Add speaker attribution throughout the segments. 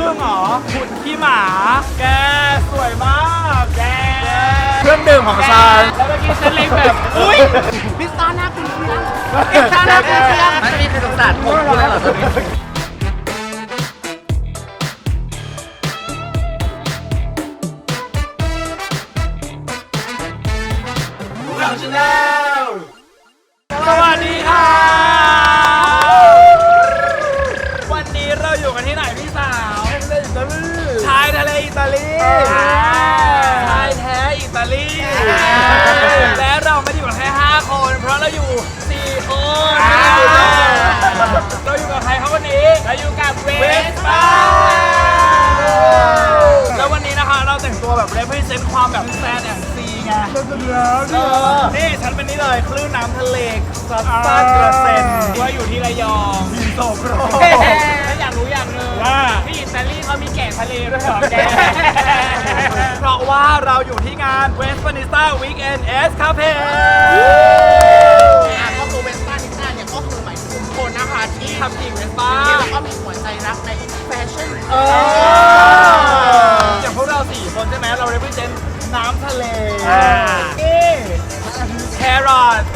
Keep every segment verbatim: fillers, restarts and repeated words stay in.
Speaker 1: พึ่งเหรอหุ่นขี้หมาแกสวยมากแกเครื่องดื่มของฉันแล้วเมื่อกี้ฉันเล็งแบบอุ้ยพิซซ่าหน้าคุณเพื่อนพิซซ่าหน้าคุณเพื่อนมันมีใครสงสารผมคุณเลยเหรอตอนนี้สวัสดีค่ะวันนี้เราอยู่กันที่ไหนพี่สาวชายทะเลอิตาลีชายแท้อิตาลีและเราไม่ได้อยู่กันแค่ห้าคนเพราะเราอยู่สี่คนเราอยู่กับใครครับวันนี้เราอยู่กับเวสป้าแล้ววันนี้นะคะเราแต่งตัวแบบ represent ความแบบแซนแอนซีไงนี่ฉันเป็นนี่เลยคลื่นน้ำทะเลซัดซ่ากระเซ็นว่าอยู่ที่ระยองหินโสโครกแล้วอยากรู้อย่างหนึ่งว่าที่อิตาลีเขามีแก่ทะเลด้วยเหรอแกเพราะว่าเราอยู่ที่งาน Westminster Weekend Escape
Speaker 2: ก็คือเวสป้านิสต้าเนี่ยก็คือหมายถึงคนนะคะที่
Speaker 1: ทำจริงเวสป้า
Speaker 2: แล้วก็มีหัวใจรักในแฟชั่น
Speaker 1: เอออย่างพวกเราสี่คนใช่ไหมเรา represent น้ำทะเลนี่แครอท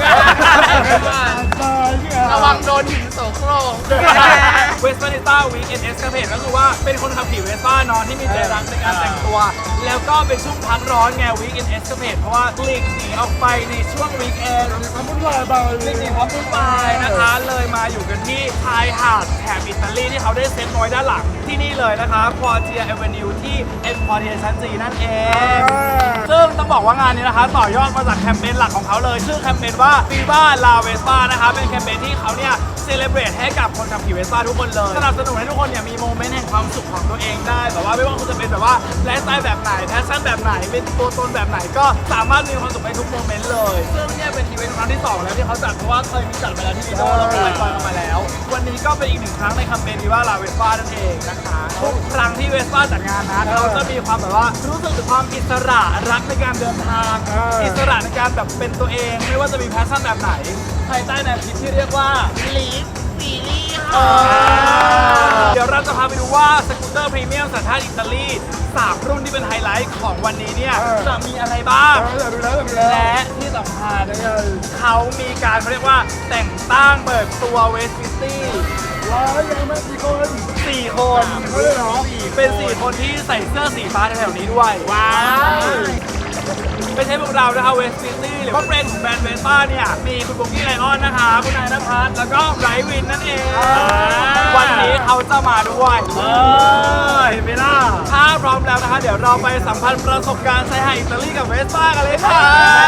Speaker 2: ระวังโดนหินโสโครก
Speaker 1: เวสป้านิต้าวีคเอ็นเอสคาเพก็คือว่าเป็นคนขับขี่เวสป้านอนที่มีใจรักในการแต่งตัวแล้วก็เป็นช่วงพักร้อนไงวีคเอ็นเอสคาเพเพราะว่าหลีกหนีออกไปในช่วงวีคเอนด์ความวุ่นวายบางหลีกหนีความวุ่นวายนะคะเลยมาอยู่กันที่ชายหาดแถบอิตาลีที่เขาได้เซ็ตไว้ด้านหลังที่นี่เลยนะคะควอเทียเอเวนิวที่เอ็มพอร์เทียชั้นจีนั่นเองซึ่งต้องบอกว่างานนี้นะคะต่อยอดมาจากแคมเปญหลักของเขาเลยชื่อแคมเปญว่าฟีบ้าลาเวสป้านะคะเป็นแคมเปญที่เขาเนี่ยเซเลบรตให้กับคนขับขี่เวสป้าทุกคนเลยสนับสนุนให้ทุกคนเนี่ยมีโมเมนต์แห่งความสุขของตัวเองได้แบบว่าไม่ว่าคุณจะเป็นแบบว่าไลฟ์สไตล์แบบไหนแพชชั่นแบบไหนเป็นตัวตนแบบไหนก็สามารถมีความสุขในทุกโมเมนต์เลยซึ่งเนี่ยเป็นอีเวนต์ครั้งที่สองแล้วที่เขาจัดเพราะว่าเคยมีจัดไปแล้วที่ลิโดแล้วก็ไลฟ์สไตล์กันมาแล้ววันนี้ก็เป็นอีกหนึ่งครั้งในแคมเปญฟีบ้าลาเวสป้านั่นเองนะคะทุกครั้งที่เวสป้าจัดงานนะเราจะมีความแบบว่ารู้สึกถึงความอิสระรักในการเดินทางอิสระในการแบบเป็นตัวเองไม่ว่าจะมีแพชชั่นแบบไหนภายใต้แนวคิดที่เรียกว่า
Speaker 2: ลีฟซีรีส์
Speaker 1: เดี๋ยวเราจะพาไปดูว่าสกูตเตอร์พรีเมียมสัญชาติอิตาลีสามรุ่นที่เป็นไฮไลท์ของวันนี้เนี่ยจะมีอะไรบ้างและที่สำคัญเขามีการเขาเรียกว่าแต่งตั้งเปิดตัวเวสติตี้ว้าวยังไม่กี่คนสี่คนเป็นสี่คนที่ใส่เสื้อสีฟ้าแถวนี้ด้วยว้าวไม่ใช่พวกเรานะคะเวสติตี้หรือว่าแบรนด์ของแบรนด์เวสป้าเนี่ยมีคุณบุ๊กกี้ไลออนนะคะคุณนายนภัสแล้วก็ไบรท์วินนั่นเองวันนี้เขาจะมาด้วยเออเห็นไหมล่ะถ้าพร้อมแล้วนะคะเดี๋ยวเราไปสัมพันธ์ประสบการณ์ชายหาดอิตาลีกับเวสป้ากันเลยค่ะ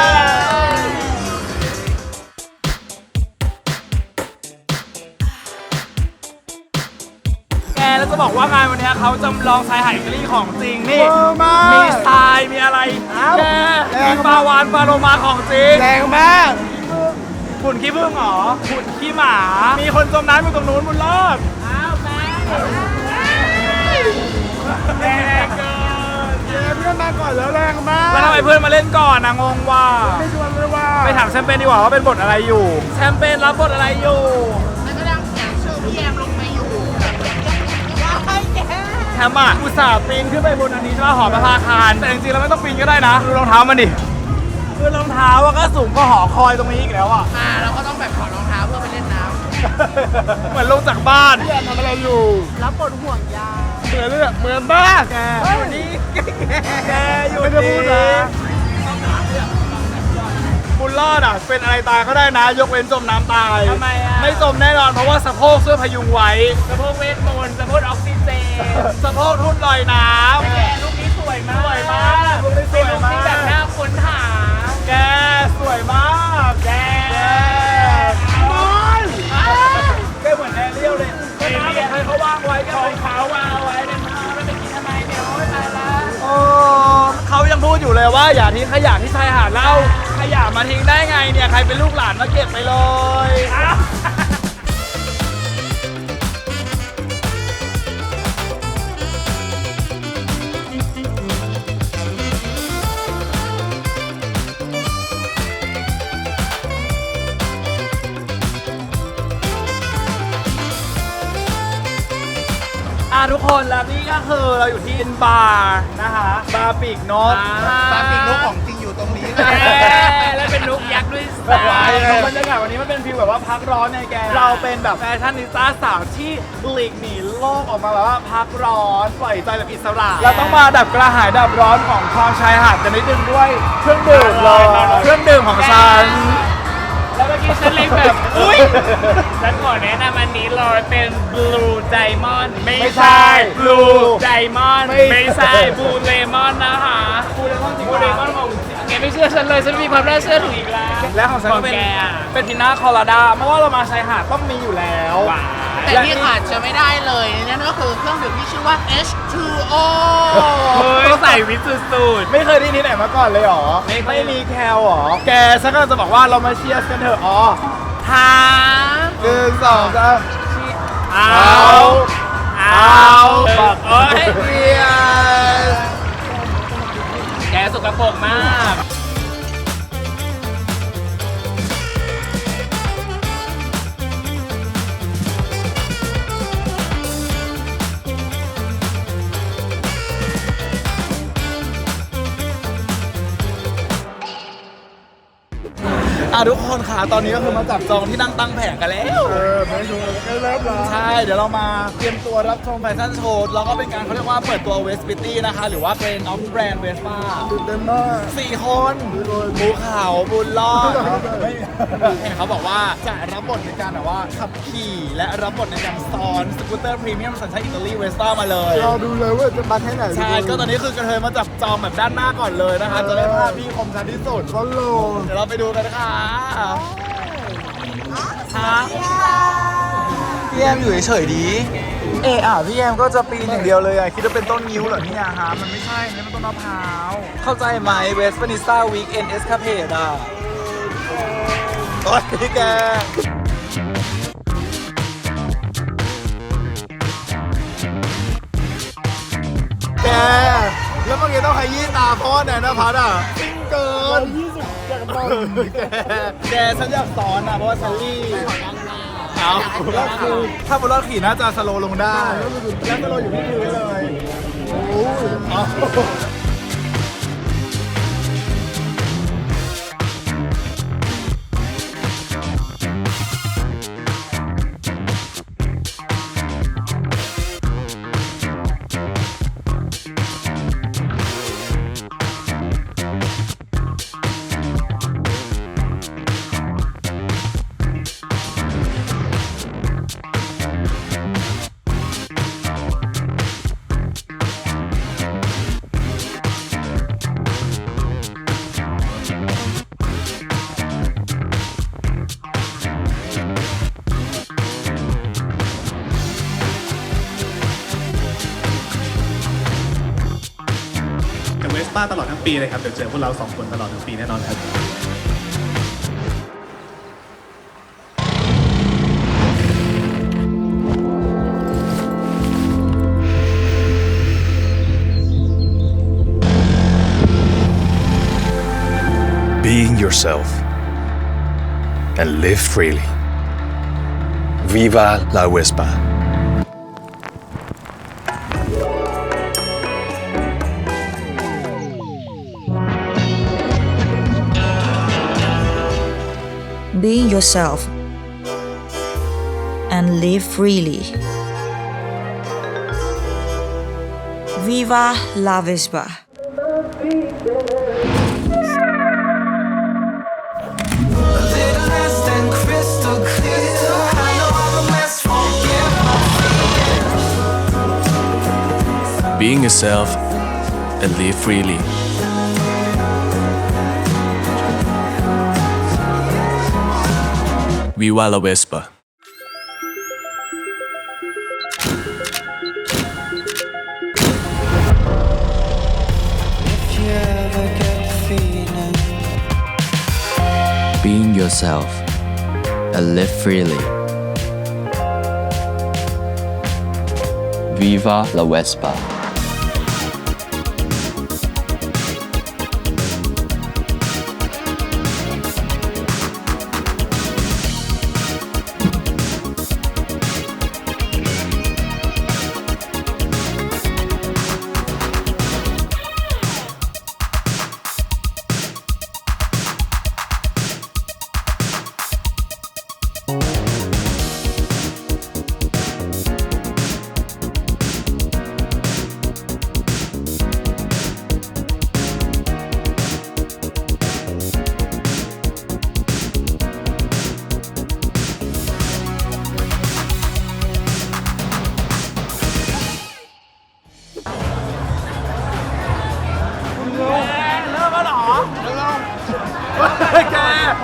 Speaker 1: แล้วจะบอกว่างานวันนี้เขาจำลองชายหาดอิตาลีของจริงนี่มีทรายมีอะไรแกมีปลาวานปลาโลมาของจริงแรงมากหุ่นขี้ผึ้งเหรอหุ่นขี้หมามีคนจมน้ำอยู่ตรงนู้นบุญรอดอ้าวแม่แรงเกินเพื่อนมาก่อนแล้วแรงมากแล้วทำไมเพื่อนมาเล่นก่อนนะงงว่าไม่ชวนเลยว่าไปถามแชมเปญดีกว่าว่าเป็นบทอะไรอยู่แชมเปญรับบทอะไรอยู่
Speaker 2: แล้วก็ดังเสียงชื่อพี่แอมลงไปอยู่ว้ายแก
Speaker 1: แฮมอ่ะอุตส่าห์ปีนขึ้นไปบนอันนี้ใช่ไหมหอประภาคารแต่จริงๆเราไม่ต้องปีนก็ได้นะดูรองเท้ามันดิคือรองเท้าว่าก็สูงก็หอคอยตรงนี้อีกแล้วอ่ะ
Speaker 2: อ่าเราก็ต้องแบบถอดรองเท้าเพื่อไปเล่นน้
Speaker 1: ำเหมือนลงจากบ้านทำอะไรอยู่
Speaker 2: รับบทห่วงยาง
Speaker 1: เหมือนเลยเหมือนบ้าแกอยู่นี่แกอยู่นี่ไม่ได้พูดนะบุญรอดอ่ะเป็นอะไรตายก็ได้นะยกเว้นจมน้ำตายทำไมอ่ะไม่จมแน่นอนเพราะว่าสะโพกช่วยพยุงไว้สะโพกเวทมนต์สะโพกออกซิเจนสะโพกทุ่นลอยน้ำแกลูกนี้สวยมากสวยมากลูกนี้สวยมากแบบน่าค้นหาแกสวยมากแกบอลแกเหมือนแอเรียลเลยก็น้ำให้เขาวางไว้ก็ของเขาวางไว้เป็นน้ำไม่ไปกินทำไมเดี๋ยวไม่ไปละโอ้เขายังพูดอยู่เลยว่าอย่าทิ้งขยะที่ชายหาดแล้วขยะมาทิ้งได้ไงเนี่ยใครเป็นลูกหลานมาเก็บไปเลยอ่ะทุกคนแล้วนี่ก็คือเราอยู่ที่บาร์นะคะบาร์ปีกนก
Speaker 3: ปลาปีกนกของจริงอยู่ตรงนี้
Speaker 1: แล้วเป็นนกยักษ์ด้วยซ้ำบรรยากาศวันนี้มันเป็นฟีลแบบว่าพักร้อนในแกเราเป็นแบบแฟชั่นนิสต้าสาวที่หลีกหนีโลกออกมาแบบว่าพักร้อนปล่อยใจแบบอิสระเราต้องมาดับกระหายดับร้อนของความชายหาดกันนิดนึงด้วยเครื่องดื่มเลยเครื่องดื่มของฉันแล้วเมื่อกี้ฉันเล็งแบบอุ้ย
Speaker 4: ฉันขอแนะนำอันนี้เลยเป็น Blue Diamond ไม่
Speaker 1: ไม่ใช่
Speaker 4: ใช่
Speaker 1: Blue
Speaker 4: Diamond
Speaker 1: ไม่
Speaker 4: ไม่ใช่ Blue Lemon นะคะ
Speaker 1: พูดได้จริง
Speaker 4: Blue Lemon ของแกไม่เชื่อฉันเลย ฉันมีความน่าเชื่อถืออีกแล้ว
Speaker 1: และของฉันก็เป็น
Speaker 4: แกอะ
Speaker 1: เป็นพิน่าคอลาดาเมื่อว่าเรามาชายหาดต้องมีอยู่แล้ว
Speaker 4: ว้า
Speaker 2: แต่ที่ขาดจะไม่ได้เลยนั่นก็คือเครื่องดื่มที่ชื่อว่า เอช ทู โอ
Speaker 4: เฮ้ยใส่วิตสุด
Speaker 1: ไม่เคยได้ที่ไหนมาก่อนเลยเหรอ
Speaker 4: ไม่เคย
Speaker 1: ไม่มีแคลเหรอ แกฉันก็จะบอกว่าเรามาเชียร์กันเถอะอ๋อ
Speaker 4: ๆหา
Speaker 1: หนึ่งสองสาม
Speaker 4: เอา
Speaker 1: เอา
Speaker 4: เอาบอกโอ้ย
Speaker 1: เชียร์
Speaker 4: แกสกปรกมาก
Speaker 1: อ่ะทุกคนค่ะตอนนี้ก็คือมาจับจองที่นั่งตั้งแผงกันแล้วเออไม่ดูกันแล้วใช่เดี๋ยวเรามาเตรียมตัวรับชมแฟชั่นโชว์แล้วก็เป็นการเขาเรียกว่าเปิดตัวเวสปิตี้นะคะหรือว่าเป็นน้องแบรนด์เวสป้าตื่นเต้นมากสี่คนภูเขาบุญรอดเห็นเขาบอกว่าจะรับบทในการแบบว่าขับขี่และรับบทในการซ้อนสกูตเตอร์พรีเมียมสัญชาติอิตาลีเวสป้ามาเลย
Speaker 3: เราดูเลยว่าจะมาแค่ไหน
Speaker 1: ใช่ก็ตอนนี้คือกระเทยมาจับจองแบบด้านหน้าก่อนเลยนะคะจะได้ภาพที่คมชัดที่สุด
Speaker 3: ก็โล
Speaker 1: เดี๋ยวเราไปดูกันค่ะฮะพี่แอมอยู่เฉยๆดี เอออ่ะพี่แอมก็จะปีนอย่างเดียวเลยอ่ะ คิดว่าเป็นต้นนิ้วเหรอเนี่ยฮะ มันไม่ใช่นี่มันต้นมะพร้าว เข้าใจไหมเวสต์นิสต้าวีคเอนเอสคาเพดอ่ะ โอ๊ยพี่แก แก แล้วเมื่อกี้ต้องขยี้ตาเพราะว่าแนนพัทอ่ะปิ้งเกินยี่สิบจากบ้านแก แกฉันอยากสอนอ่ะเพราะว่าฉันรีบเอาแล้วคือถ้าบนรถขี่น่าจะสโลว์ลงได้แล้วสโลว์อยู่ที่พื้นเลยโอ้ยเอา
Speaker 5: กับเวสป้าตลอดทั้งปีเลยครับ เดี๋ยวเจอพวกเราสองคนตลอดทั้งปีแน่นอนครับ
Speaker 6: Being yourself and live freely. Viva la Vespa.
Speaker 7: Being yourself and live freely. Viva la Vespa.
Speaker 6: Being yourself and live freely. Viva la Vespa.
Speaker 8: Being yourself and live freely. Viva la Vespa.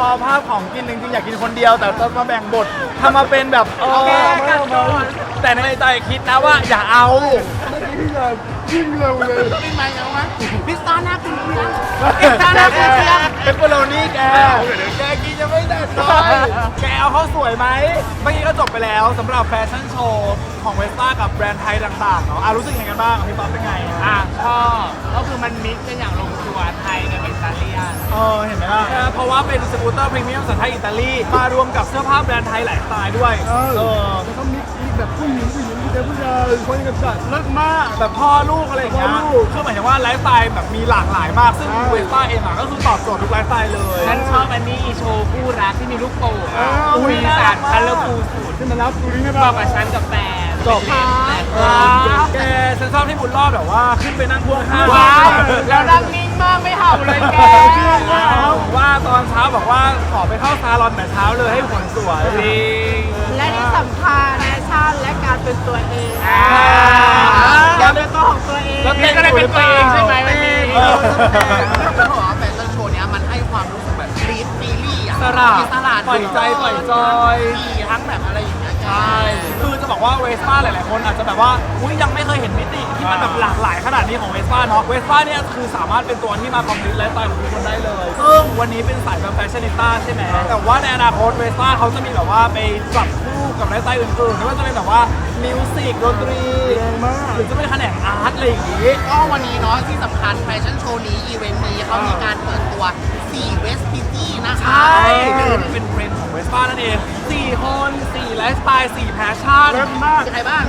Speaker 1: เอาภาพของกินจริงๆอยากกินคนเดียวแต่ต้องมาแบ่งบททำมาเป็นแบบเออ
Speaker 2: แก้กันก่อน
Speaker 1: แต่ในใจคิดนะว่าอย่าเอา
Speaker 3: ยิ่งเร็วเลย
Speaker 2: เป็นไงเอาไหมพิซซ่าหน้าคุณเชียง
Speaker 1: แกแกเปปเปอโรนี่แกแกกินยังไม่ได้เลยแกเอาเขาสวยไหมเมื่อกี้ก็จบไปแล้วสำหรับแฟชั่นโชว์ของเวสป้ากับแบรนด์ไทยต่างๆเนาะอ่ะรู้สึกยังไงกันบ้างพี่ป๊อปเป็นไง
Speaker 4: อ่ะชอบก็คือมันมิกซ์กันอย่างลงตัวไทยกับอิตาเลียน
Speaker 1: เออเห็นไหมล่ะเออเพราะว่าเป็นสกูตเตอร์พรีเมียมสัญชาติอิตาลีมารวมกับเสื้อผ้าแบรนด์ไทยหลายสไตล์ด้วยเออ
Speaker 3: แล้วก็มิกซ์อีกแบบผู้หญิงผู้หญิงผู้ชายผู้ชายคนกับสัตว์
Speaker 1: เลิศมากแบบพ่อลูกอะไรอย่างเงี้ย
Speaker 3: พ่อลูก
Speaker 1: คือหมายถึงว่าไลฟ์สไตล์แบบมีหลากหลายมากซึ่งเวสป้าเองอ่ะก็คือตอบโจทย์ทุกไลฟ์สไตล์เลย
Speaker 4: ฉันชอบอันนี้อีโชว์คู่รักที่มีลูกโป่ง
Speaker 1: อ้าว
Speaker 4: มีสารคัลเลอร์ฟูสุด
Speaker 3: ขึ้นมารับดูนี่ให้
Speaker 4: บ
Speaker 3: ป่ะ
Speaker 4: อกกับฉันกับแฟน
Speaker 1: จบ แกฉันชอบที่บุญรอดแบบว่าขึ้นไปนั่งพ่วงข้าง
Speaker 4: ว้าวแล้วนั่งนิ่งมากไม่เห่าเลยแก
Speaker 1: แล้วว่าตอนเช้าบอกว่าขอไปเข้าซาลอนแต่เช้าเลยให้ผลสวย
Speaker 4: จริง
Speaker 2: และที่สำคัญแฟชั่นและการเป็นตัวเอง
Speaker 4: อ่า
Speaker 2: การเป็นตัวของตัวเอง
Speaker 1: แล้ว
Speaker 4: นี่ก็ได้เป็นตัวเองใช่ไหมวันนี้
Speaker 1: เออ
Speaker 2: จะบอกว่าแฟชั่นโชว์เนี้ยมันให้ความรู้สึกแบบรีดฟีลี่อ่ะ
Speaker 1: สลัด
Speaker 2: มีสลัด
Speaker 1: ปล่อยใจปล่อยจอย
Speaker 2: มีทั้งแบบอะไรอย่างเงี้ย
Speaker 1: ใช่ คือจะบอกว่าเวสป้าหลาย ๆ คนอาจจะแบบว่า อุ้ยยังไม่เคยเห็นมิติที่มันแบบหลากหลายขนาดนี้ของเวสป้าเนาะ เวสป้าเนี่ยคือสามารถเป็นตัวที่มาคอมพลีทไลฟ์สไตล์ของทุกคนได้เลย ซึ่งวันนี้เป็นสายแบบแฟชั่นนิต้าใช่ไหม แต่ว่าในอนาคตเวสป้าเขาจะมีแบบว่าไปจับคู่กับไลฟ์สไตล์อื่นๆไม่ว่าจะเป็นแบบว่ามิวสิกดนตรีหรือจะเป็นแขนงอาร์ตอะไรอย่างงี้
Speaker 2: ก็วันนี้เนาะที่สำคัญแฟชั่นโชว์นี้อีเวนต์นี้เขามีการเปิดตัวสี่เวสพิตี้นะคะ
Speaker 1: ใช่เป็นเทรนด์ของเวสป้านั่นเองสี่คนสี่ไลฟ์สไตล์สี่แพชชั่น
Speaker 3: มาก
Speaker 2: มีใครบ้าง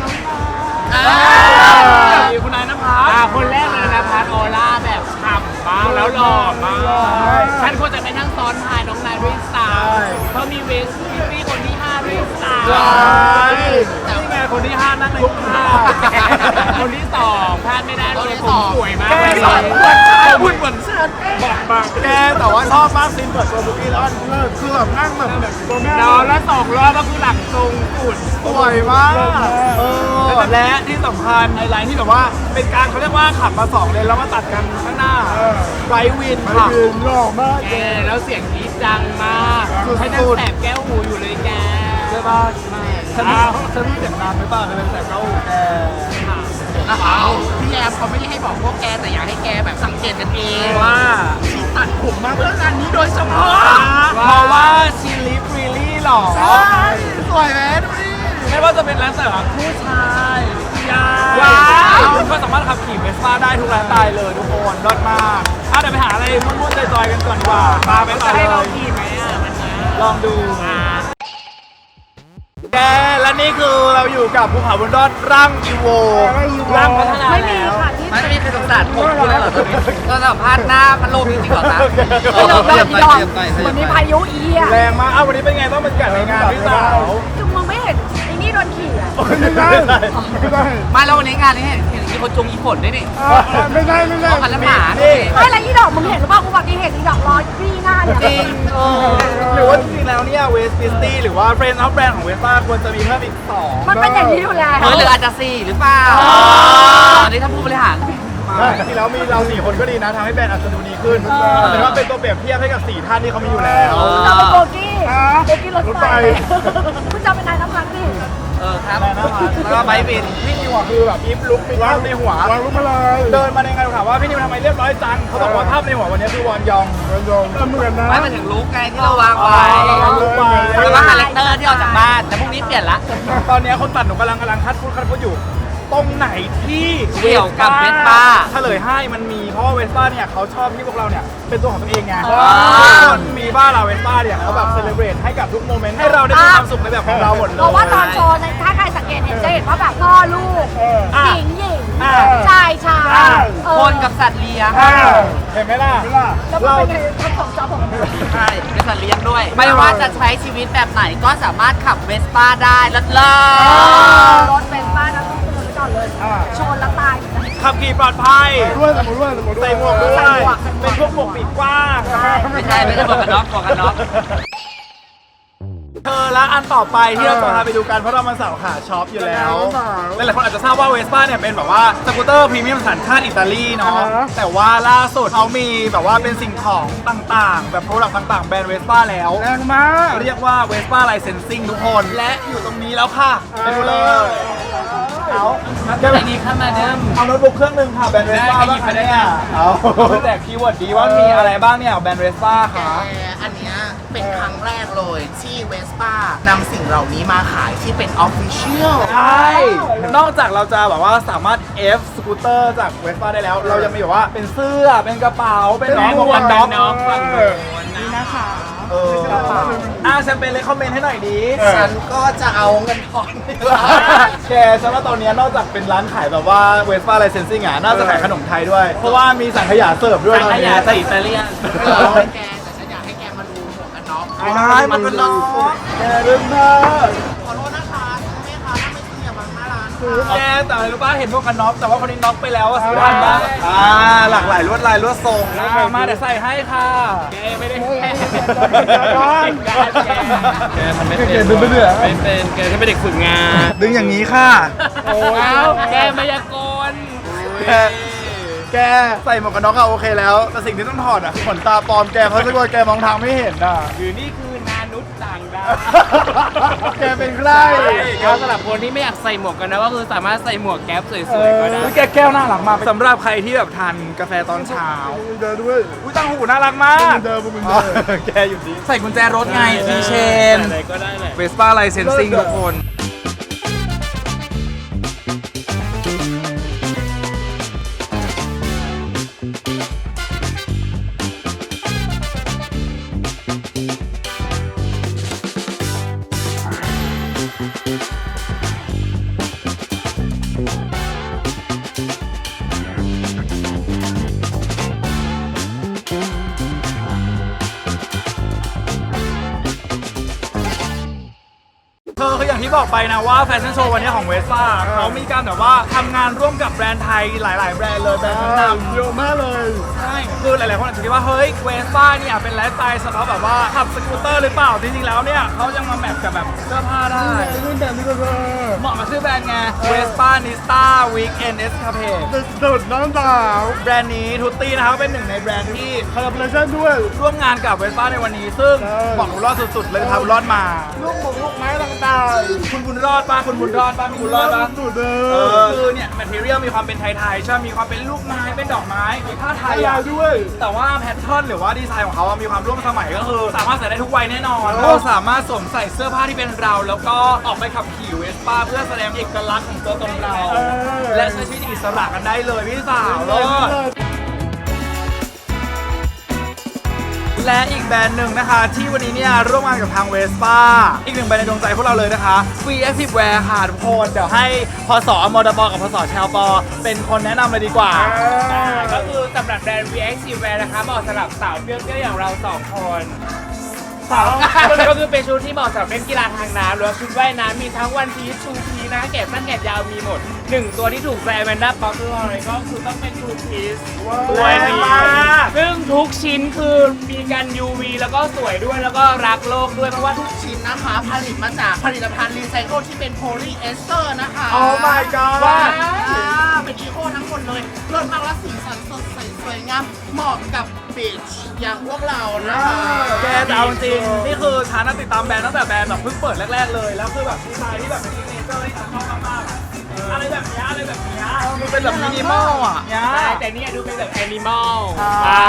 Speaker 1: มีคุณนายนภัส
Speaker 4: อ่าคนแรกเลยนะพัทออร่าแบบฉ่ำมากแล้วหล่อมากฉันควรจะไปนั่งซ้อนท้ายน้องนายด้วยซ้ำเพราะมีเวสพี่คนที่ห้าด้วยซ้ำ
Speaker 1: ใช่นี่ไงคนที่ห้านั่งในทุกท่า
Speaker 4: คนที่สองพลาดไม่ได้เลยผมสวยมาก
Speaker 1: แก
Speaker 4: วัน
Speaker 1: สอน
Speaker 4: นี้
Speaker 1: เหมือนฉันพูดเหมือนฉันบอกมากแกแต่ว่าชอบมากซีนเปิดตัวบุกี้แล้วเลิศคือแบบนั่งแบบแบบตัวแม่
Speaker 4: นอนแล้วสองรอบก็คือหลังทรงสุด
Speaker 1: สวยมากเออและที่สำคัญในไลน์ที่แบบว่าเป็นการเขาเรียกว่าขับมาสองเลนแล้วมาตัดกันข้างหน้าไรวิน
Speaker 3: ไป
Speaker 1: ค่ะ
Speaker 3: ยืนหล่อมาก
Speaker 4: แกแล้วเสียงกรี๊ดดังมาก
Speaker 1: สุดๆ
Speaker 4: ให้นั่งแสบแก้วหูอยู่เลยแก
Speaker 1: ใช่ป่ะฉันฉันเสียงดังหรือเปล่าเลยเป็นแต่เก้าหูแก
Speaker 2: พี่แอมเขาไม่ได้ให้บอกพวกแกแต่อยากให้แกแบบสังเกตกันเอง
Speaker 1: ว่า
Speaker 2: ชีตัดผมมาเพื่องานนี้โดยเฉพาะ
Speaker 1: เพราะว่าชีลิฟรีลี่หรอ
Speaker 2: ใช่สวยไหมดูดิ
Speaker 1: ไม่ว่าจะเป็นร้านแต่ละผู้ชายยา
Speaker 2: ว้าว
Speaker 1: คุณก็สามารถขับขี่เวสป้าได้ทุกร้านตายเลยทุกคนรอดมากอ่ะเดี๋ยวไปหาอะไรมุ่วนๆจอยๆกันก่อนดีกว่าปาไปต่อ
Speaker 4: จะ
Speaker 1: เล
Speaker 4: ให้เรา
Speaker 1: ย
Speaker 4: ขี่ไหมอ่ะมันนะ
Speaker 1: ลองดูแกและนี่คือเราอยู่กับภูเขาบนยอดร่างอีโวร่างพัฒนาแล้ว
Speaker 2: ไม่มีใครสงสารผมคุณแล้วเหรอตอนนี้ก็สัมภาษณ์หน้าพัดลมจริงๆเหรอคะ
Speaker 3: ไม่ลงแบบยอม
Speaker 2: วันนี้พายุอีอ่ะ
Speaker 1: แรงมากอ้าววันนี้เป็นไงต้องเป็นกันในงานพี่สาว
Speaker 2: คือมึงไม่เห็นไอ้นี่โดนขี่อ่ะ
Speaker 3: ไม่ได้ไม่ได้
Speaker 2: มาแล้ววันนี้งานนี้เห็นเห็นมีคนจงอีฝนด้วยนี่
Speaker 3: ไม่ได้ไม่ได้
Speaker 2: เอาพันละหมา
Speaker 1: นี่
Speaker 2: ไม่แล้วอีดอกมึงเห็นหรือเปล่ากูบอกอีเห็นอีดอกลอยพี่หน้าเนี่ยจริงเออ
Speaker 1: หรือว่าจริงๆแล้วเนี่ยเวสปิสตี้หรือว่าเฟรนด์ออฟแบรนด์ของเวสป้าควรจะมีเพิ่มอีกสอง
Speaker 2: มันเป็นอย่างนี้อยู่แล้วหรืออาจจะสี่หรือเปล่าอันนี้ถ้าผู้บริหาร
Speaker 1: จริงๆแล้วมีเราสี่คนก็ดีนะทำให้แบรนด์อาจจะดูดีขึ้นแต่ว่าเป็นตัวเปรียบเทียบให้กับสี่ท่านที่เขามีอยู่แล้ว
Speaker 2: คุณจะเป็นโบกี้โบกี้รถไฟคุณจะเป็นนายน้ำพักดิ
Speaker 1: เออครับแล้วก็ไบบินพี่นิวอ่ะคือแบบยิบลุกไปภาพในหัว
Speaker 3: วางรูปมาเลย
Speaker 1: เดินมาในงานถามว่าพี่นิวทำไมเรียบร้อยจังเขาบอกว่าภาพในหัววันนี้คือวอนยอง
Speaker 3: โยมเหมือนนะ
Speaker 2: ไม่มาถึงลุกไงที่เราวางไว้
Speaker 1: ลุกไป
Speaker 2: แล้วก็คาแรคเตอร์ที่ออกจากบ้านแต่พรุ่งนี้เปลี่ยนละ
Speaker 1: ตอนนี้คนตัดหนูกำลังกำลังคัดพูดคัดพูดอยู่ ตรงไหนที่
Speaker 2: เกี่ยวกับเวสป้า
Speaker 1: เฉลยให้มันมีเพราะว่าเวสป้าเนี่ยเขาชอบที่พวกเราเนี่ยเป็นตัวของตัวเองไง
Speaker 2: อ่า
Speaker 1: ทุกคนมีบ้านเราเวสป้าเนี่ยเขาแบบเซเลบรตให้กับทุกโมเมนต์ให้เราได้มีความสุขในแบบของเราหมดเลย
Speaker 9: เพราะว่าตอนโชว์เนี่ยถ้าใครสังเกตเห็นจะเห็นว่าแบบพ่อลูก
Speaker 1: อ่ะ
Speaker 9: หญิงหญิง
Speaker 1: อ่ะ
Speaker 9: ชายชาย
Speaker 1: อ่ะ
Speaker 9: เออ
Speaker 2: คนกับสัตว์เลี้ยง
Speaker 1: อ่าเห็นไหมล่ะ
Speaker 9: แล้วมัน
Speaker 1: เรา
Speaker 9: เป็นไงทั้งสองจอผม
Speaker 2: ใช่เป็นสัตว์เลี้ยงด้วย ไม่ว่าจะใช้ชีวิตแบบไหนก็สามารถขับเวสป้าได้เลิศเลิ
Speaker 9: รถเป็นบ้านนะต้องคุณไปก่อนเลยชนแล้วตาย
Speaker 1: ขับขี่ปลอดภัย
Speaker 3: ด้วยสมุนด้วยสมุนด้วย
Speaker 1: ใส่หมวกด้วย
Speaker 9: ใส่หมวก
Speaker 1: เป็นพวกหมวกปีกกว้าง
Speaker 2: ไม่ใช่ไม่ใช่หมวกกันน็อกหมวกกันน็อก
Speaker 1: เธอและอันต่อไปที่เราจะพาไปดูกันเพราะเรามาสาวขาช็อปอยู่แล้วหลายๆคนอาจจะทราบว่าเวสป้าเนี่ยเป็นแบบว่าสกูตเตอร์พรีเมียมสัญชาติอิตาลีเนาะแต่ว่าล่าสุดเขามีแบบว่าเป็นสิ่งของต่างๆ แบบโปรดักต์ต่างๆแบรนด์เวสป้าแล้วแรงมากเรียกว่าเวสป้าไลเซนซิ่งทุกคนและอยู่ตรงนี้แล้วค่ะไปดูเลยเอาจะไปดีข้ามาเดิมเอาโน้ตบุ๊กเครื่องหนึ่งค่ะแบรนด์เวสป้าบ้างคะเนี่ยเอาแต่คีย์เวิร์ดดีว่ามีอะไรบ้างเนี่ยแบรนด์เวสป้าค่ะ
Speaker 2: แต่อันเนี้ยเป็นครั้งแรกเลยที่เวสป้านำสิ่งเหล่านี้มาขายที่เป็นออฟฟิเชียล
Speaker 1: ใช่ นอกจากเราจะแบบว่าสามารถ F สกูตเตอร์จากเวสป้าได้แล้ว เรายังมีแบบว่าเป็นเสื้อ เป็นกระเป๋า เป็นน้องหมวกกันน็อก
Speaker 4: น้องฝั่งโน้นนะ
Speaker 2: นี่นะคะ
Speaker 1: เอออ่ะแชมเปญเลยคอมเมนต์ให้หน่อยดี
Speaker 2: ฉันก็จะเอาเงินทอนไปเลย
Speaker 1: แกฉันว่าตอนนี้นอกจากเป็นร้านขายแบบว่าเวสป้าไลเซนซิ่งอ่ะ น่าจะขายขนมไทยด้วย เพราะว่ามีสังขยาเสิร์ฟด้วย
Speaker 4: สังขยาใส่อิตาเลียน
Speaker 2: เออแกแต่ฉันอยากให้แกมาดูหมวกกันน็อก
Speaker 1: ใช่มันเป็นน้องแกเรื่องมาก
Speaker 2: ขอโทษนะคะแม่ค้าถ้าไม่ซื้ออย่าบังหน้าร้าน
Speaker 1: แกแต่อะไรรู้ป่ะเห็นพวกกันน็อกแต่ว่าคนนี้น็อกไปแล้วอะซื้อทันปะอ่าหลากหลายลวดลายลวดทรงอ่ามาเดี๋ยวใส่ให้ค่ะ
Speaker 4: แกไม่ได้แก
Speaker 1: แกทำไม่เป็นดึงไปเรื่อย
Speaker 4: ไม่เป็นแกแค่เป็นเด็กฝึกงาน
Speaker 1: ดึงอย่างนี้ค่ะ
Speaker 4: โอ้ยแกมายากล
Speaker 1: แกแกใส่หมวกกันน็อกอะโอเคแล้วแต่สิ่งที่ต้องถอดอะคือขนตาปลอมแกเพราะถ้าเกิดแกมองทางไม่เห็นอะ
Speaker 4: หรือนี่คือนานุษย์ต่างดาว
Speaker 1: แกเป็นใคร
Speaker 4: แล้วสำหรับคนที่ไม่อยากใส่หมวกกันนะก็คือสามารถใส่หมวกแก๊ปสวยๆก็ได้
Speaker 1: อุ๊ยแกแก้วน่ารักมากสำหรับใครที่แบบทานกาแฟตอนเช้า
Speaker 3: เดินด้วย
Speaker 1: อุ้ยตั้งหูน่ารักมาก
Speaker 3: เดินมึง
Speaker 1: อ๋
Speaker 3: เดิ
Speaker 1: อน แกอยู่ดีใส่กุญแจรถไงทีเชน
Speaker 4: อะไรก็ได้แหละ
Speaker 1: เวสป้าไลเซนซิ่งทุกคนเธอคืออย่างที่บอกไปนะว่าแฟชั่นโชว์วันนี้ของเวสป้าเขามีการแบบว่าทำงานร่วมกับแบรนด์ไทยหลาย ๆ แบรนด์เลยแบรนด์ชั้นนำ
Speaker 3: เยอะมากเลย
Speaker 1: ใช่คือหลาย ๆ คนอาจจะคิดว่าเฮ้ยเวสป้าเนี่ยเป็นไลฟ์สไตล์เฉพาะแบบว่าขับสกูตเตอร์หรือเปล่าจริง ๆ แล้วเนี่ยเขายังมาแมทกับแบบเสื้อผ้าได้
Speaker 3: รุ่นแบบนี้ก็เธอ
Speaker 1: เหมาะกับชื่อแบรนด์ไงเวสป้านิสตาวีคเอนเอสคาเพ
Speaker 3: เดินน้ำตา
Speaker 1: แบรนด์นี้ทูตตี้นะครับเป็นหนึ่งในแบรนด์ที่
Speaker 3: คอลลาบอร์ชั่นด้วย
Speaker 1: ร่วมงานกับเวสป้าในวันนี้ ซึ่ง
Speaker 3: ใช่
Speaker 1: บอกบุญรอดสุด ๆ เลยพาบุญรอดมา
Speaker 3: ลูกหมกลูกไม้ต่าง
Speaker 1: คุณบุญรอดปะคุณบุญรอดปะมี
Speaker 3: ๆ
Speaker 1: บุญรอดปะ
Speaker 3: สุดเล
Speaker 1: เอย อคือเนี่ยแมทเทียลมีความเป็นไทยๆใช่ไหมมีความเป็นลูกไม้เป็นดอกไม้มีผ้าไทย
Speaker 3: ยา
Speaker 1: อะ
Speaker 3: วด้วย
Speaker 1: แต่ว่าแพทเทิร์นหรือว่าดีไซน์ของเขาอะมีความร่วมสมัยก็คือ สามารถใส่ได้ทุกวัยแน่นอนเราสามารถสวมใส่เสื้อผ้าที่เป็นเรา แล้วก็ออกไปขับขี่เวสป้าเพื่อแสดงเอกลักษณ์ของตัวตนเรา
Speaker 3: เออ
Speaker 1: และใช้ชีวิตอิสระกันได้เลยพี่สาวเลิศและอีกแบรนด์หนึ่งนะคะ ที่วันนี้เนี่ยร่วมงานกับทางเวสป้าอีกหนึ่งแบรนด์ในดวงใจพวกเราเลยนะคะ Free Active Wear ค่ะทุกคนเดี๋ยวให้พศอมดปกับพศแชลปอเป็นคนแนะนำเลยดีกว่า
Speaker 4: ก็คือสำหรับแบรนด์ วี เอ็กซ์ ซี Wear นะคะเหมาะสำหรับสาวเปรี้ยวๆอย่างเราสองคนสาวก็คือเป็นชุดที่เหมาะสำหรับเล่นกีฬาทางน้ำหรือว่าชุดว่ายน้ำมีทั้งวันพีชชูพีนะคะแกะสั้นแกะยาวมีหมดหนึ่งตัวที่ถูกใจแมนด้าป๊อปเลยก็คือต้องเป็นทูพีซตัวนี้ซึ่งทุกชิ้นคือมีกัน ยู วี แล้วก็สวยด้วยแล้วก็รักโลกด้วยเพราะว่าทุก
Speaker 2: ชิ้นนะคะผลิตมาจากผลิตภัณฑ์รีไซเคิลที่เป็นโพลีเอสเตอร์นะคะ
Speaker 1: Oh my god
Speaker 2: ว่าอ่าเป็นอีโคทั้งหมดเลยเลิศมากและสีสันสดใสสวยงามเหมาะกับบีชอย่างพวกเรานะคะ
Speaker 1: แกแต่เอาจริงนี่คือฉันน่ะติดตามแบรนด์ตั้งแต่แบรนด์แบบเพิ่งเปิดแรก ๆ เลย แล้วคือแบบดีไซน์ที่แบบเป็นซิกเนเจอร์ที่ฉันชอบมากๆอะอะไรแบบเนี้ยอะไรแบบเนี้ยมันเป็นแบบมินิมอลอ่ะเนี้ย
Speaker 4: ใช่แต่เนี่ยดูเป็นแบบแอนิมอล
Speaker 1: ใช่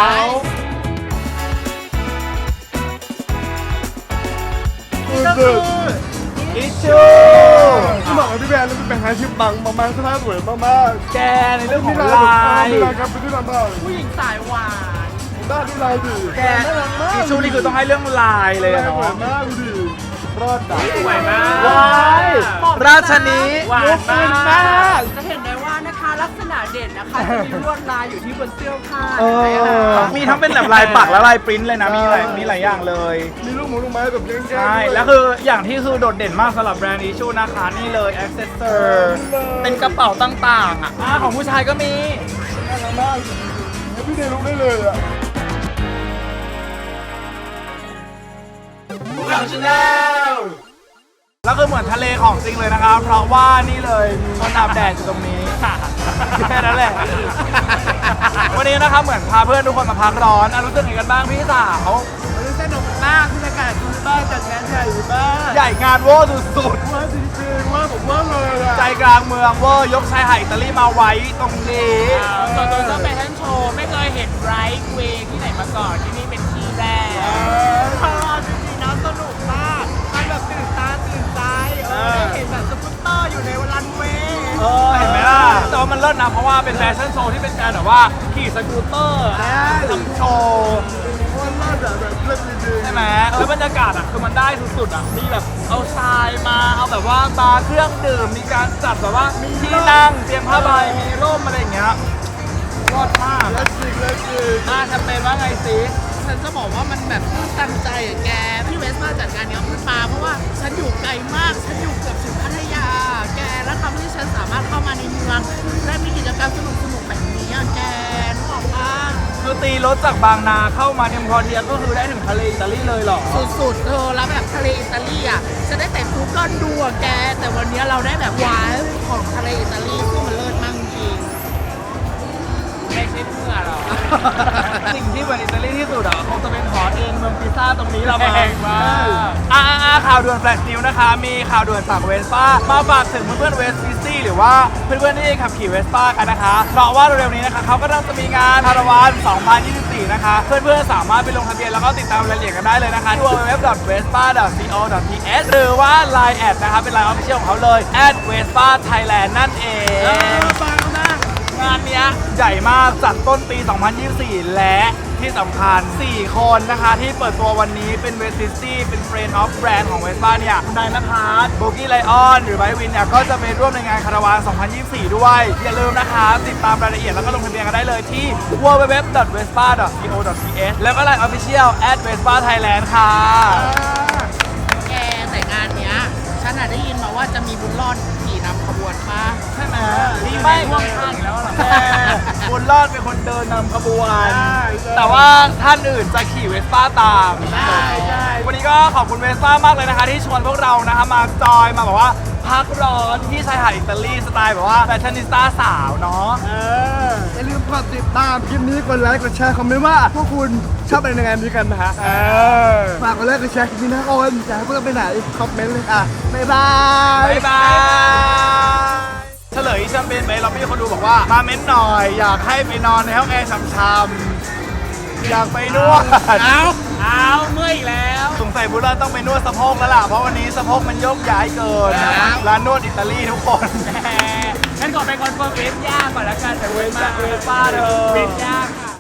Speaker 3: ก็คือ
Speaker 1: อิชชู
Speaker 3: ที่บอกกับพี่แบนแล้วพี่แบนหาชิปบังมากๆสภาพสวยมาก
Speaker 1: แกใน
Speaker 3: ๆ
Speaker 1: เรื่องของ
Speaker 3: ลา
Speaker 1: ลาย
Speaker 3: มีลายครับเป็นที่ลำบาก
Speaker 2: ผู้หญิงสายหวาน
Speaker 3: ด้านที่ลายดิ
Speaker 1: แกอิชชูนี่คือต้องให้เรื่องลายเลย
Speaker 3: ลาย
Speaker 1: อะ
Speaker 3: สวย
Speaker 1: เนาะ
Speaker 3: มากดูดิรอดดั
Speaker 4: สวยมาก
Speaker 1: ว้ายราชนี
Speaker 4: หวานมาก
Speaker 2: จะเห็นได้ว่านะคะลักษณะเด่นนะคะจะมีลวดลายอยู่ที่บนเสื้อผ้า
Speaker 1: เออมีทั้งเป็นแบบลายปักและลายปริ้นท์เลยนะมีหลายมีหลายอย่างเลย
Speaker 3: มีลูกหมูลูกไม้แบบแก้งๆ
Speaker 1: ใช่
Speaker 3: ด้วย
Speaker 1: แล้วคืออย่างที่คือโดดเด่นมากสำหรับแบรนด์อิชชูนะคะนี่เลย accessor เป็นกระเป๋าต่างๆอ่ะอ่าของผู้ชายก็มี
Speaker 3: น่ารักมากแล้วพี่เดลุกได้เลยอ่ะ
Speaker 1: แล้วคือเหมือนทะเลของจริงเลยนะครับ เพราะว่านี่เลยมีคนอาบแดดอยู่ตรงนี้ แค่นั้นแหละ วันนี้นะครับเหมือนพาเพื่อนทุกคนมาพักร้อนอ่ะรู้สึกยังไงกันบ้างพี่สาว
Speaker 2: มันสนุกมากที่อากาศดีมากจัดงานใหญ่มาก
Speaker 1: ใหญ่งานเวอร์สุด
Speaker 2: ว่าจริงๆว่าผมว่าเลยอะ
Speaker 1: ๆใจกลางเมืองเวอร์ยกชายหาดอิตาลีมาไว้ตรงนี้
Speaker 4: ส่วนตัวชอบแฟชั่นโชว์ไม่เคยเห็นไรท์เวย์ที่ไหนมาก่อนที่นี่เป็นที่แรก
Speaker 2: เออจริงๆนะสนุกมากมันแบบตื่นตาตื่นใจเออได้เห็นแบบสกูตเตอร์อยู่ในรันเวย์
Speaker 1: เออเห็นไหมล่ะ แต่ว่ามันเลิศนะเพราะว่าเป็นแฟชั่นโชว์ที่เป็นการแบบว่าขี่สกูตเตอร์ทำโชว์
Speaker 2: ว่าเลิศอะแบบเลิศจริง
Speaker 1: ใช่ไหมแล้วบรรยากาศอ่ะคือมันได้สุดๆอ่ะมีแบบเอาทรายมาเอาแบบว่าบาร์เครื่องดื่มมีการจัดแบบว่ามีที่นั่งเตรียมผ้าใบมีร่มอะไรอย่างเงี้ยรอดมาก
Speaker 2: ๆเลิศจริงเลิศจริง
Speaker 1: อ่ะแคมเปญว่าไงสิ
Speaker 2: ฉันจะบอกว่ามันแบบตั้งใจอะแกพี่เวสมาจัดงานเนี้ยขึ้นมาเพราะว่าฉันอยู่ไกลมากฉันอยู่เกือบถึงพัทยา แกแล้วทำให้ฉันสามารถเข้ามาในเมืองและมีกิจกรรมสนุกๆแบบนี้อะแกนึกออกปะ
Speaker 1: คือตีรถจากบางนาเข้ามาเนมพอเทียก็คือได้ถึงทะเลอิตาลีเลยเหรอ
Speaker 2: สุดๆเธอแล้วแบบทะเลอิตาลีอ่ะจะได้แต่กูเกิลดูอะแก แต่วันนี้เราได้แบบวายของทะเลอิตาลีซึ่งมันเลิศมากจริง
Speaker 4: ไม่ใช่เพื่อหรอก
Speaker 1: สิ่งที่เหมือนอิตาลีที่สุดอ่ะคงจะเป็นหอเอ็นเมืองพิซซ่าตรงนี้ละมั้ง
Speaker 4: แพงมาก
Speaker 1: อ่าอ่าข่าวด่วนแฟลชนิวส์นะคะ มีข่าวด่วนจากเวสป้ามาฝากถึงเพื่อนๆเวสฟิซี่หรือว่าเพื่อนๆที่ขับขี่เวสป้ากันนะคะ เพราะว่าเร็วๆนี้นะคะเขาก็ต้องจะมีงานคาราวาน สองพันยี่สิบสี่ นะคะ เพื่อนๆสามารถไปลงทะเบียนแล้วก็ติดตามรายละเอียดกันได้เลยนะคะที่ ดับเบิลยู ดับเบิลยู ดับเบิลยู ดอท เวสป้า ดอท ซี โอ ดอท ที เอช หรือว่า ไลน์ แอดนะคะเป็นไลน์ออฟฟิเชียลของเขาเลย แอด เวสป้า ไทยแลนด์ นั่นเอง
Speaker 2: ฟังนะ
Speaker 1: งานเนี้ยใหญ่มากจัดต้นปี สองพันยี่สิบสี่ และที่สำคัญ สี่ คนนะคะ ที่เปิดตัววันนี้เป็นเวสซิตี้เป็นเฟรนด์ออฟแบรนด์ของเวสป้าเนี่ยคุณนายนภัสโบกี้ไลออนหรือไบวินเนี่ยก็จะไปร่วมในงานคาราวาน สองพันยี่สิบสี่ ด้วย อย่าลืมนะคะ ติดตามรายละเอียดแล้วก็ลงทะเบียนกันได้เลยที่ ดับเบิลยู ดับเบิลยู ดับเบิลยู ดอท เวสป้า ดอท ซี โอ ดอท ที เอช แล้วก็ไลน์ Official แอด เวสป้า ไทยแลนด์ ค่ะ
Speaker 2: แกแต่งานเนี้ยฉันอะได้ยินมาว่าจะมีบุญรอดขี่นำขบวนปะ
Speaker 1: ใช่ไหมนี่ไม่ร่วมข้างแล้วหรอแม่บุญรอดเป็นคนเดินนำขบวน แต่ว่าท่านอื่นจะขี่เวสป้าตาม
Speaker 2: ใช่ใช่
Speaker 1: วันนี้ก็ขอบคุณเวสป้ามากเลยนะคะ ที่ชวนพวกเรานะคะมาจอยมาแบบว่าพักร้อนที่ชายหาดอิตาลีสไตล์แบบว่าแฟชั่นนิสต้าสาวเนาะ
Speaker 3: เอออย่าลืมกดติดตามคลิปนี้กดไลค์กดแชร์คอมเมนต์ว่าพวกคุณชอบอะไรในงานนี้กันนะฮะเออฝากกดไลค์กดแชร์คลิปนี้นะคนอยากให้พวกเราไปไหนคอมเมนต์เลยอ่ะบ๊ายบาย
Speaker 1: บ๊ายบายเฉลยแชมเปญไปเราพี่คนดูบอกว่ามาเม้นหน่อย อยากให้ไปนอนในห้องแอร์ช่ำๆอยากไปนวด
Speaker 2: เอา
Speaker 4: เอาเมื่อยอีกแล้ว
Speaker 1: สงสัยบุญรอดต้องไปนวดสะโพกแล้วล่ะเพราะวันนี้สะโพกมันโยกย้ายเกินร้านนวดอิตาลีทุกคน
Speaker 4: แหมฉันขอไปคอนเฟิร์มเวฟย่าก่อนละกันแต่เวฟมา
Speaker 1: เวฟป้าเถอะ
Speaker 4: เวฟย่าค่ะ